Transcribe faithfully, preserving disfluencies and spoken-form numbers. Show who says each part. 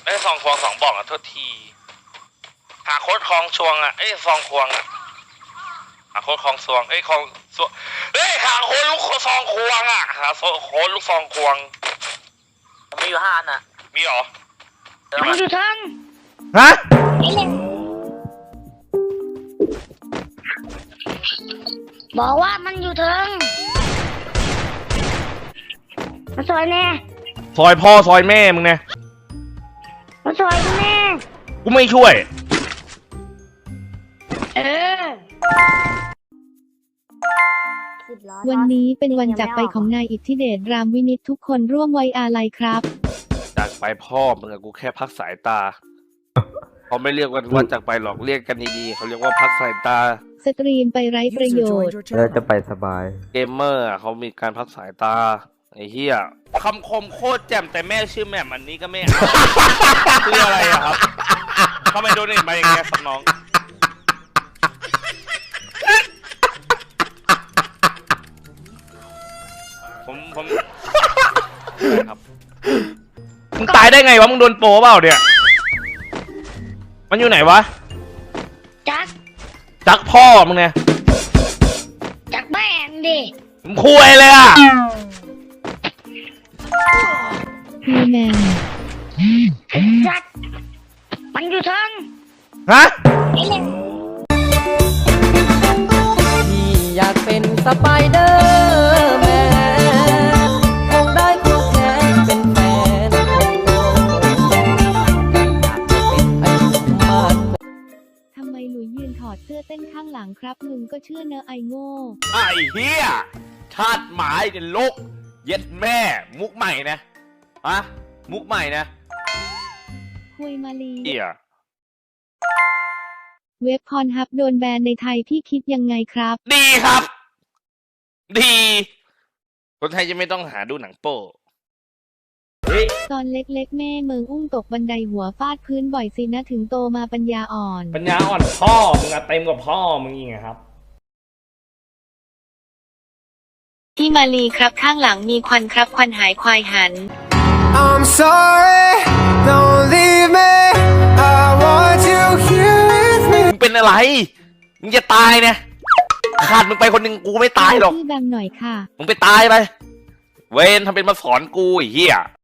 Speaker 1: ไอ้ซองควงสองบอกอ่ะโทษทีหาโค้ดคลองชวงอ่ะไอ้ซองควงอ่ะหาโค้ดคลองชวงไอ้คลองชวงเฮ้ยหาโค้ดลูกซองควงอ่ะหาโค้ดลูกซองควง
Speaker 2: มีอยู่ห้าอันอ่ะ
Speaker 1: มีหรอ
Speaker 3: มันอยู่ทั้ง
Speaker 4: ฮะ
Speaker 3: บอกว่ามันอยู่ทั้งมาซอยแน่
Speaker 4: ซอยพ่อซอยแม่มึงเนี่ย
Speaker 3: มาซอยแม่
Speaker 4: กูไม่ช่วย
Speaker 3: เออ
Speaker 5: วันนี้เป็นวันจากไปของนายอิทธิเดชรามวินิตทุกคนร่วมไว้อาลัยครับ
Speaker 4: จากไปพ่อมึงอะกูแค่พักสายตาเขาไม่เรียกว่าวันจากไปหรอกเรียกกันดีๆเขาเรียกว่าพักสายตา
Speaker 5: สตรีมไปไร้ประโยชน์
Speaker 6: แล้วจะไปสบาย
Speaker 4: เกมเมอร์เขามีการพักสายตาไอ้เหี้ยคำคมโคตรแจ่มแต่แม่ชื่อแม่มันนี้ก็ไม่เอาคืออะไรอะครับทำไมโดนเนทมาอย่างเงี้ยครับน้องผมผมครับมึงตายได้ไงวะมึงโดนโปรเปล่าเนี่ยมันอยู่ไหนวะ
Speaker 3: จัก
Speaker 4: จักพ่อมึงเนี่ย
Speaker 3: จักแม่งดิ
Speaker 4: มึงคุยเลยอ่ะ
Speaker 5: มีแมน
Speaker 3: จักมันอยู่ทั้ง
Speaker 4: ฮะ
Speaker 2: พี่อยากเป็นสไปเดอร์แมนคงได้คู่แข่งเป็นแฟน
Speaker 5: ทำไมหลุยยืนถอดเสื้อเต้นข้างหลังครับมึงก็เชื่อเนอะไอโง่
Speaker 4: ไอ้เหี้ยชาติหมายเดนลกเย็ดแม่มุกใหม่นะอะมุกใหม่นะ
Speaker 5: คุยมาลี
Speaker 4: เหี้ย
Speaker 5: เว็บพรฮับโดนแบนในไทยพี่คิดยังไงครับ
Speaker 4: ดีครับดีคนไทยจะไม่ต้องหาดูหนังโป้
Speaker 5: ตอนเล็กๆแม่เมืองอุ้มตกบันไดหัวฟาดพื้นบ่อยสินะถึงโตมาปัญญาอ่อน
Speaker 4: ปัญญาอ่อนพ่อมึงอะเต็มกว่าพ่อมึงอีกครับ
Speaker 5: พี่มาลีครับข้างหลังมีควันครับควันหายควายหัน
Speaker 7: I'm sorry don't leave me I want you here with me
Speaker 4: มึงเป็นอะไรมึงจะตายเนี่ยขาดมึงไปคนหนึ่งกูไม่ตายหรอก
Speaker 5: พี่แบมหน่อยค่ะ
Speaker 4: มึงไปตายไปเวนทำเป็นมาสอนกูไอ้เหี้ย